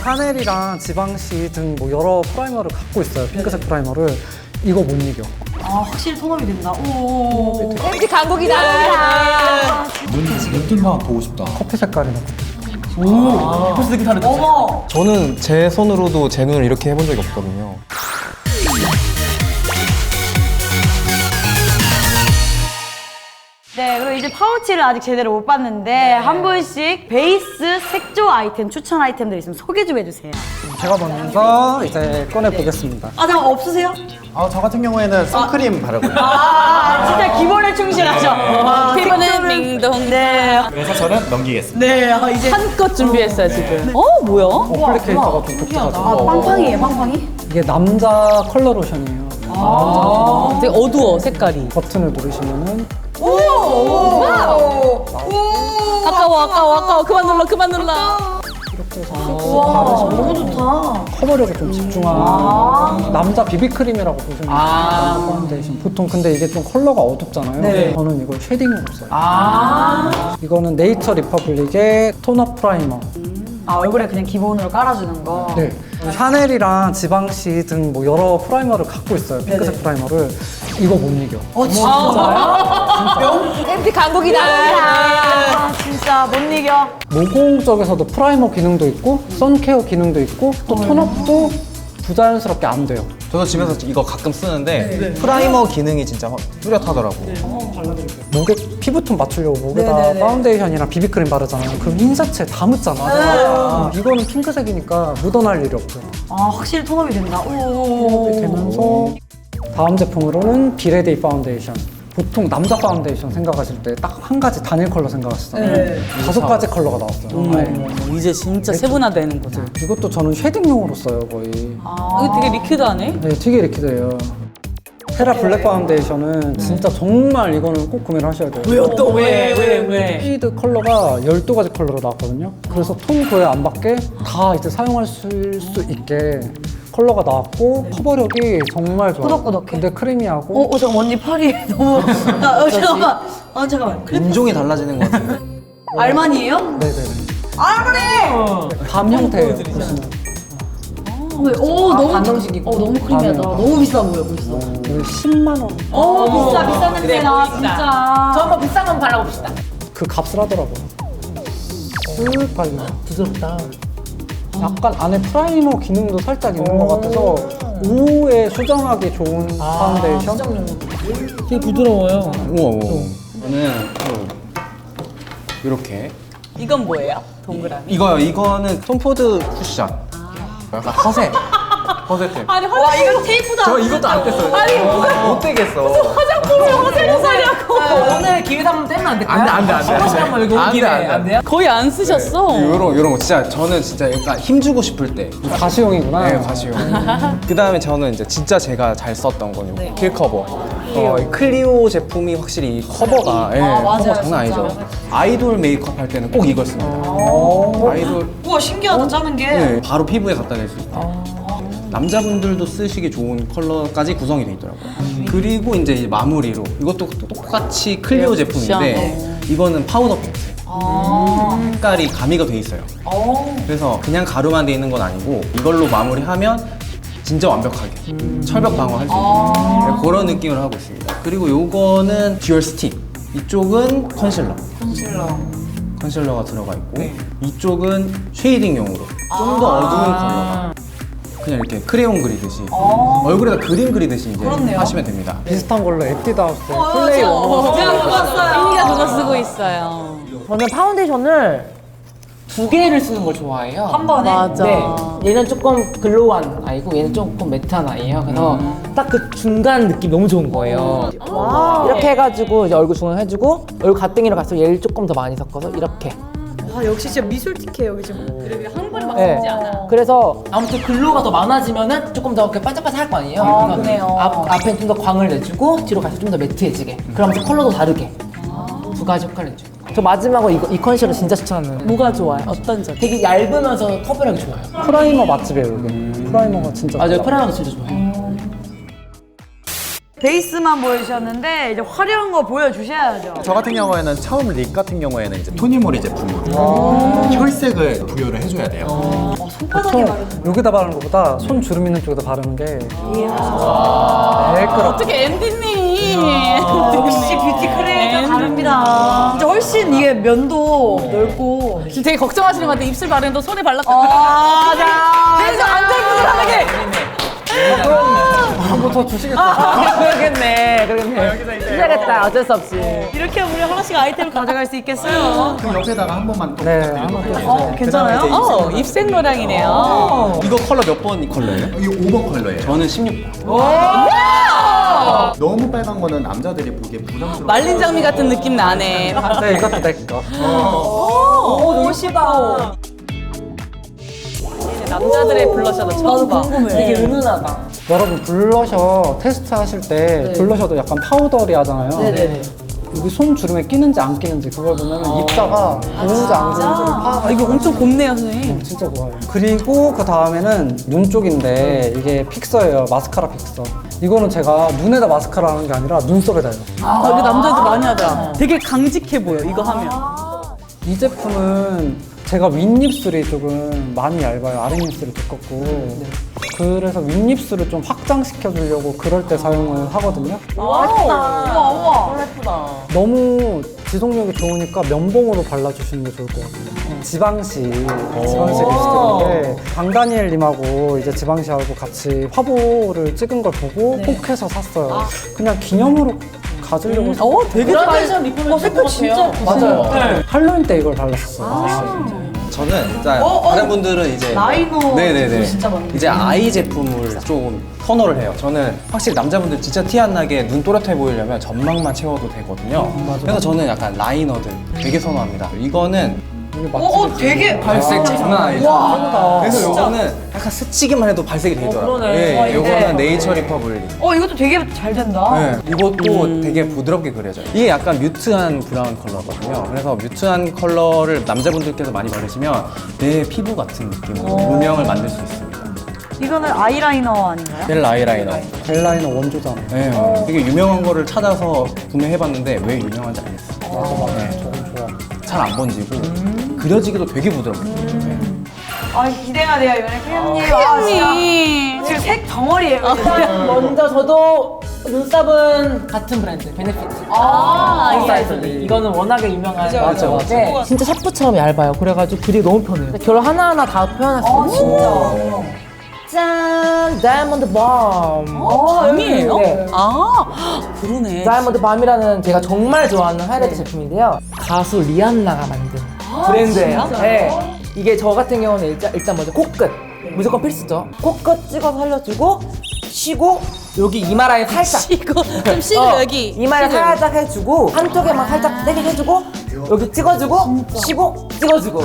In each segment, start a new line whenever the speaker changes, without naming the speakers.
샤넬이랑 지방시 등 뭐 여러 프라이머를 갖고 있어요. 핑크색 프라이머를. 이거 못 이겨.
아, 확실히 톤업이 된다. 오.
왠지 강국이다.
눈들만 보고 싶다.
커피 색깔이나.
벌써 되게 다르다.
어머.
저는 제 손으로도 제 눈을 이렇게 해본 적이 없거든요.
네, 그리고 이제 파우치를 아직 제대로 못 봤는데 한 분씩 베이스 색조 아이템, 추천 아이템들 있으면 소개 좀 해주세요.
제가 먼저 이제 꺼내 보겠습니다.
아, 잠깐 없으세요?
저 같은 경우에는 선크림 바르고요.
아, 진짜 기본에 충실하죠.
피부는 밍동.
네.
그래서 저는 넘기겠습니다.
네, 이제
한껏 준비했어요 지금. 뭐야?
어플리케이터가 좀 독특하죠.
빵빵이에요, 빵빵이?
이게 남자 컬러 로션이에요.
되게 어두워 색깔이.
버튼을 누르시면은
아까워. 그만 눌러.
이렇게 해서 바르시면
너무 좋다.
커버력에 좀 집중하는 남자 비비크림이라고 보시면 돼요. 파운데이션. 보통 근데 이게 좀 컬러가 어둡잖아요. 저는 이걸 쉐딩으로 써요. 이거는 네이처 리퍼블릭의 톤업 프라이머.
아, 얼굴에 그냥 기본으로 깔아주는 거.
네. 샤넬이랑 지방시 등 뭐 여러 프라이머를 갖고 있어요. 핑크색 프라이머를. 이거 못 이겨.
왠지 강국이다.
아, 진짜 못 이겨.
모공 쪽에서도 프라이머 기능도 있고 선케어 기능도 있고 또 톤업도 부자연스럽게 안 돼요.
저도 집에서 이거 가끔 쓰는데 프라이머 기능이 진짜 뚜렷하더라고요.
목에 피부톤 맞추려고 목에다 파운데이션이랑 비비크림 바르잖아요. 그럼 흰자체 다 묻잖아. 이거는 핑크색이니까 묻어날 일이 없어요.
아, 확실히 톤업이 된다. 오.
되면서 다음 제품으로는 비레데이 파운데이션. 보통 남자 파운데이션 생각하실 때 딱 한 가지 단일 컬러 생각하시잖아요. 5가지 컬러가 나왔어요. 아예.
이제 진짜 세분화되는 거죠.
이것도 저는 쉐딩용으로 써요, 거의.
이거 되게 리퀴드하네.
네, 되게 리퀴드예요. 테라 블랙 파운데이션은 진짜 정말 이거는 꼭 구매를 하셔야 돼요.
왜요 또 왜?
쉐이드 컬러가 12가지 컬러로 나왔거든요. 그래서 톤 구애 안 받게 다 이제 사용할 수 있게 컬러가 나왔고 커버력이 정말 좋아요.
꾸덕꾸덕해.
근데 크리미하고
잠깐 언니 팔이 너무. 잠깐만.
인종이 달라지는 것 같아요.
알만이에요?
네네네.
알만이!
밤 형태예요. 보시면.
오, 너무 반정식이고. 너무 크리미하다. 너무 비싸 보여, 벌써.
이거 10만 원.
비싼 냄새 나, 진짜.
저 한번 비싼 건 발라봅시다.
그 값을 하더라고요. 쓱 발려.
부드럽다.
약간 안에 프라이머 기능도 살짝 있는 것 같아서 오후에 수정하기 좋은 파운데이션?
되게 부드러워요.
우와. 저는 이렇게.
이건 뭐예요? 동그라미.
이거는 톰포드 쿠션. 약간 허세템.
아니
와, 이거 테이프도
저 이것도 안 뗐어요.
아니
못 떼겠어.
화장품을 허세를 사냐고.
오늘 기회도 한번 떼면 안 될까요?
안 돼.
한 번씩 한번 이거 온 김에 안 돼요?
거의 안 쓰셨어.
요런 거 진짜 저는 진짜 약간 힘주고 싶을 때.
가시용이구나.
네, 가시용. 그 다음에 저는 이제 진짜 제가 잘 썼던 건 요거 킬 커버. 이 클리오 제품이 확실히 이 커버가 커버 장난 아니죠. 아이돌 메이크업 할 때는 꼭 이걸 씁니다. 아이돌
우와, 신기하다, 짜는 게.
네, 바로 피부에 갖다 댈 수 있다. 남자분들도 쓰시기 좋은 컬러까지 구성이 되어 있더라고요. 그리고 이제 마무리로 이것도 똑같이 클리오 제품인데 이거는 파우더 팩트. 색깔이 가미가 돼 있어요. 그래서 그냥 가루만 돼 있는 건 아니고 이걸로 마무리하면 진짜 완벽하게 철벽 방어할 수 있는 그런 느낌을 하고 있습니다. 그리고 요거는 듀얼 스틱. 이쪽은 컨실러가 들어가 있고 이쪽은 쉐이딩용으로 좀 더 어두운 컬러가 그냥 이렇게 크레용 그리듯이 얼굴에다 그림 그리듯이 이제 하시면 됩니다.
비슷한 걸로 에뛰드하우스 플레이 원호
언니가 그거 쓰고 있어요.
저는 파운데이션을 2개를 쓰는 걸 좋아해요.
한 번에?
맞아.
네. 얘는 조금 글로우한 아이고 얘는 조금 매트한 아이예요. 그래서 딱 그 중간 느낌 너무 좋은 거예요. 이렇게 해가지고 이제 얼굴 중앙해주고 얼굴 가땡이로 가서 얘를 조금 더 많이 섞어서 이렇게.
와, 역시 진짜 미술틱해, 여기 지금.
한 번에 막
네.
쓰지 않아.
그래서 아무튼 글로우가 더 많아지면은 조금 더 이렇게 반짝반짝할 거 아니에요. 그래서
그래요.
앞에 좀 더 광을 내주고 뒤로 가서 좀 더 매트해지게. 그러면서 컬러도 다르게. 2가지 효과를 내죠. 저 마지막으로 이 컨실러 진짜 추천하는.
뭐가 좋아요? 어떤 점?
되게 얇으면서 커버력이 좋아요.
프라이머 맛집이에요, 여기. 프라이머가 진짜
맞아요.
좋아.
프라이머도 진짜 좋아요.
베이스만 보여주셨는데 이제 화려한 거 보여주셔야죠.
저 같은 경우에는 처음 립 같은 경우에는 이제 토니모리 제품으로 혈색을 부여를 해줘야 돼요.
보통 여기다 바르는 것보다 손 주름 있는 쪽에다 바르는 게 매끄럽고
어떻게 MD님.
역시 뷰티 크리에이터 다릅니다. 진짜 훨씬 이게 면도 넓고.
지금 되게 걱정하시는 것 같아요. 입술 바르는데 손에 발랐다.
자.
그래서 안절부절하게.
뭐 더 주시겠다.
그러겠네. 시작했다. 어쩔 수 없이.
이렇게 우리 하나씩 아이템을 가져갈 수 있겠어요?
그럼 옆에다가 한 번만 또
네,
부탁드리도록
한번
할게요.
괜찮아요?
입생 노랑이네요.
이거 컬러 몇 번 컬러예요?
이거 5번 컬러예요.
저는 16번.
너무 빨간 거는 남자들이 보기에 부담스러워.
말린 장미 같은 느낌 나네.
네, 이것도 내 거.
오, 멋있다.
남자들의 블러셔도 처음 봐.
되게 은은하다.
여러분 블러셔 테스트 하실 때 블러셔도 약간 파우더리 하잖아요.
네네.
여기 손 주름에 끼는지 안 끼는지 그걸 보면 입자가 보는지 안 보는지를 파악하기
이거 엄청 곱네요, 선생님.
진짜 좋아요. 그리고 그 다음에는 눈 쪽인데 이게 픽서예요. 마스카라 픽서. 이거는 제가 눈에다 마스카라 하는 게 아니라 눈썹에다요.
아, 이거 남자들 많이 하더라. 되게 강직해 보여, 이거 하면.
이 제품은 제가 윗입술이 조금 많이 얇아요. 아랫입술이 두껍고. 그래서 윗입술을 좀 확장시켜 주려고 그럴 때 사용을 하거든요.
우와.
너무 지속력이 좋으니까 면봉으로 발라주시는 게 좋을 것 같아요. 지방시 립스틱인데 강다니엘님하고 이제 지방시하고 같이 화보를 찍은 걸 보고 꼭 해서 샀어요. 그냥 기념으로 가지려고 샀어요.
되게
그라데이션 리폼을 색깔 진짜
맞아요. 할로윈 때 이걸 발랐었어요.
저는 일단 다른 분들은 이제
라이너
네네네
진짜 많네.
이제 아이 제품을 좀 선호를 해요. 저는 확실히 남자분들 진짜 티 안 나게 눈 또렷해 보이려면 점막만 채워도 되거든요. 그래서 저는 약간 라이너들 되게 선호합니다. 이거는
이게 맛집이
되게
발색 장난 아니죠. 그래서 요거는 약간 스치기만 해도 발색이 되더라고요.
그러네.
예, 요거는 네이처 리퍼블릭.
이것도 되게 잘 된다.
네, 이것도 되게 부드럽게 그려져요. 이게 약간 뮤트한 브라운 컬러거든요. 그래서 뮤트한 컬러를 남자분들께서 많이 바르시면 내 피부 같은 느낌으로 음영을 만들 수 있습니다.
이거는 아이라이너 아닌가요?
젤 아이라이너.
젤라이너 원조잖아요.
네, 되게 유명한 거를 찾아서 구매해봤는데 왜 유명한지 알겠어요. 네,
저건 좋아.
잘 안 번지고 그려지기도 되게 부드럽고. 네.
기대가 돼요, 이번에 크림님.
언니.
지금 색 덩어리예요.
먼저 저도 눈썹은 같은 브랜드 베네피트. 이거는 워낙에 유명한 브랜드인데 진짜 샤프처럼 얇아요. 그래가지고 그리기 너무 편해요. 결 하나하나 다 표현할 수 있는.
진짜.
짠! 다이아몬드 밤.
밤이에요?
네.
그러네.
다이아몬드 밤이라는 제가 정말 좋아하는 하이라이트 제품인데요. 가수 리안나가 만든 브랜드예요. 네. 이게 저 같은 경우는 일단 먼저 코끝. 무조건 필수죠. 코끝 찍어서 살려주고 쉬고 여기 이마 라인 살짝
이거 좀 쉬고 여기.
이마를
쉬고.
살짝 해주고 한쪽에만 살짝 세게 해주고 여기 찍어주고 쉬고 찍어주고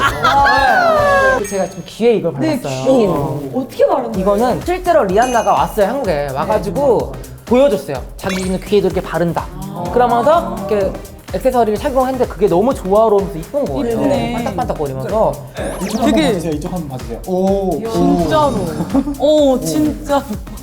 네. 제가 좀 귀에 이걸 발랐어요.
어떻게 바르는
이거는 실제로 리안나가 왔어요. 한국에 와가지고 보여줬어요. 자기는 귀에도 이렇게 바른다. 그러면서 이렇게 액세서리를 착용했는데 그게 너무 조화로우면서 이쁜 거예요.
이쁘네.
반짝반짝거리면서
되게
이쪽 한번 봐주세요. 오.
진짜로. 진짜.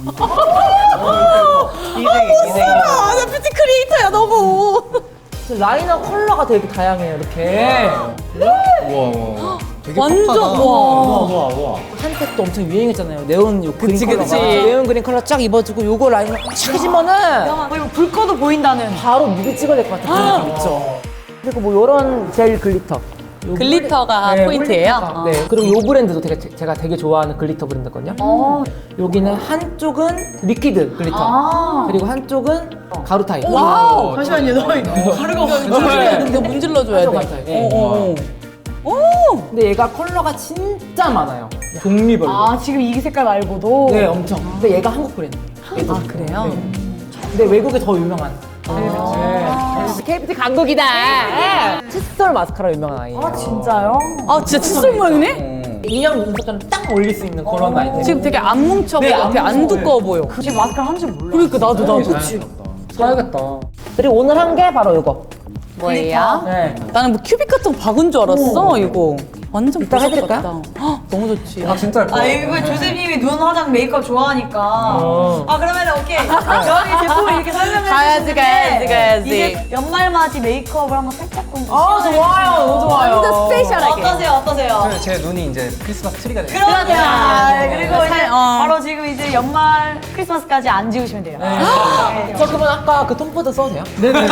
나 뷰티 크리에이터야, 너무.
라이너 컬러가 되게 다양해요. 이렇게
우와. 되게
완전,
퍽하다.
와.
한때 또 엄청 유행했잖아요. 네온 요 그린
그치,
컬러가.
그치.
네온 그린 컬러 쫙 입어주고 요거 라이너 쫙 해주면은
이거 불 꺼도 보인다는.
바로 뮤비 찍어야 될 것 같은 느낌 있죠. 그리고 뭐 요런 젤 글리터. 요
글리터가
네,
포인트예요?
네. 그리고 요 브랜드도 제가 되게 좋아하는 글리터 브랜드거든요. 여기는 한쪽은 리퀴드 글리터. 그리고 한쪽은 가루 타입.
와우.
잠시만요, 너 가루가
문질러야 돼. 이거 문질러줘야
가루
돼.
타입. 근데 얘가 컬러가 진짜 많아요. 종류별로.
지금 이 색깔 말고도.
네, 엄청. 근데 얘가 한국 브랜드.
그래요?
네. 근데 외국에 더 유명한. KBT 강국이다. 칫솔 마스카라 유명한 아이예요.
진짜요?
진짜 칫솔 모양이네?
인형 눈썹처럼 딱 올릴 수 있는 그런 아이템.
지금 되게 안 뭉쳐 보여.
안
되게 안
뭉쳐.
두꺼워 보여.
지금 마스카라 한줄 몰라.
그러니까 나도.
사야겠다.
그리고 오늘 한 게 바로 이거.
뭐예요?
네.
나는 뭐 큐빅 같은 거 박은 줄 알았어, 이거. 완전
이따
보석
해드릴까요?
같다. 헉, 너무 좋지.
아 진짜 예뻐요.
아 이거 조셉님이 눈 화장 메이크업 좋아하니까 아 그러면 오케이 저희 제품을 이렇게 설명해
가야지,
주셨는데
가야지.
이제 연말맞이 메이크업을 한번 살짝 좀
아, 좋아요. 너무 좋아요.
완전 스페셜하게 어떠세요?
제 눈이 이제 크리스마스 트리가 돼요.
그럼요. 아, 그리고 이제
어.
바로 지금 이제 연말 크리스마스까지 안 지우시면 돼요. 네.
저 그러면 아까 그 톰포드 써도 돼요?
네네.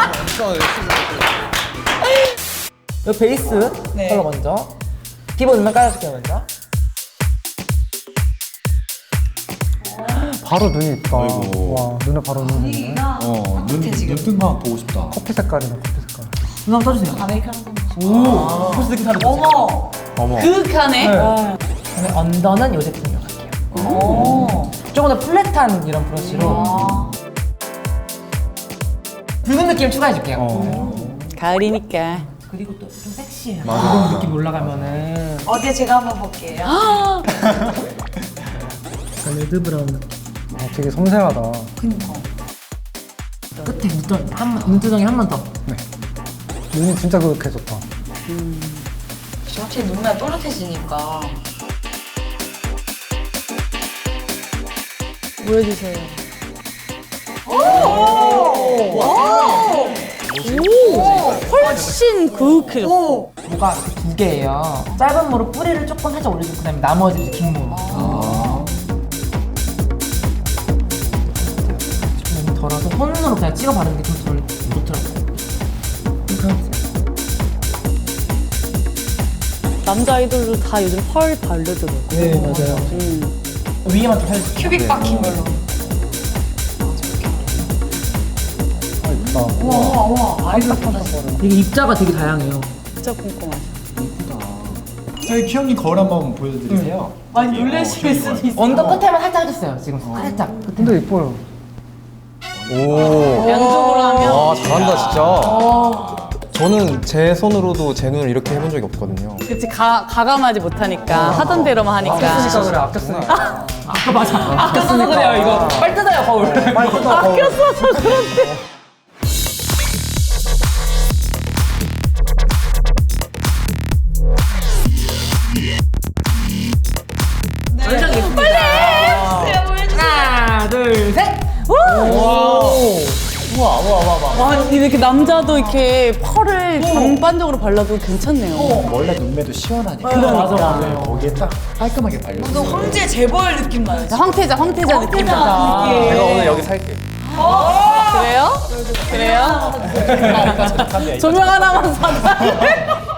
이 베이스
네.
컬러 먼저. 기본 음악 깔아줄게요 먼저.
바로 눈이 있다.
아이고.
와 눈에 바로 눈이 있네.
눈뜬 거 보고 싶다.
커피 색깔이네 커피 색깔.
눈 한번 떠주세요.
어머.
그윽하네.
그다음에 언더는 이 제품으로 갈게요. 조금 더 플랫한 이런 브러쉬로 붉은 느낌 추가해줄게요.
가을이니까.
그리고 또 좀 섹시해요. 붉은 느낌 올라가면은
어디에 제가 한번 볼게요.
레드 브라운 느낌.
아 되게 섬세하다.
끝에 눈두덩이 한 번 더.
눈이 진짜 그윽해졌다.
확실히 눈매 또렷해지니까.
보여주세요. 훨씬 그윽해졌어.
뭐가 이렇게 두 개예요. 짧은 모로 뿌리를 조금 살짝 올려주고 그다음에 나머지 이제 긴 모로. 좀 너무 덜어서 손으로 그냥 찍어 바르는 게 좀 덜 좋더라고요. 이렇게 하세요.
남자 아이돌도 다 요즘 펄 바르더라고.
네 맞아요. 위에만 좀 해주세요.
큐빅 박힌 걸로.
아 이쁘다.
우와.
이게 입자가 되게 다양해요.
진짜 꼼꼼하다.
저희 키형님 거울 한번 보여드리세요.
많이 놀라실 수도 있어.
언더 끝에만 살짝 해줬어요. 지금 살짝 끝에.
근데 이뻐요.
오.
양쪽으로 하면.
와 잘한다 진짜. 저는 제 손으로도 제 눈을 이렇게 해본 적이 없거든요.
그치, 가감하지 못하니까. 하던 대로만 하니까.
아꼈으니까 그래 아꼈으니까.
아까 써서 그래요 이거. 빨리 뜯어요 거울.
빨리 뜯어.
아꼈어서 그런데.
하나 둘 셋.
와, 이렇게 남자도 이렇게 펄을 전반적으로 발라도 괜찮네요.
원래 눈매도 시원하니까.
맞아 맞아요.
거기에 딱 깔끔하게 발려.
황제 재벌 느낌 나요.
황태자 느낌 나다.
내가 오늘 여기 살게.
그래요? 그래요? 조명 하나만 사자.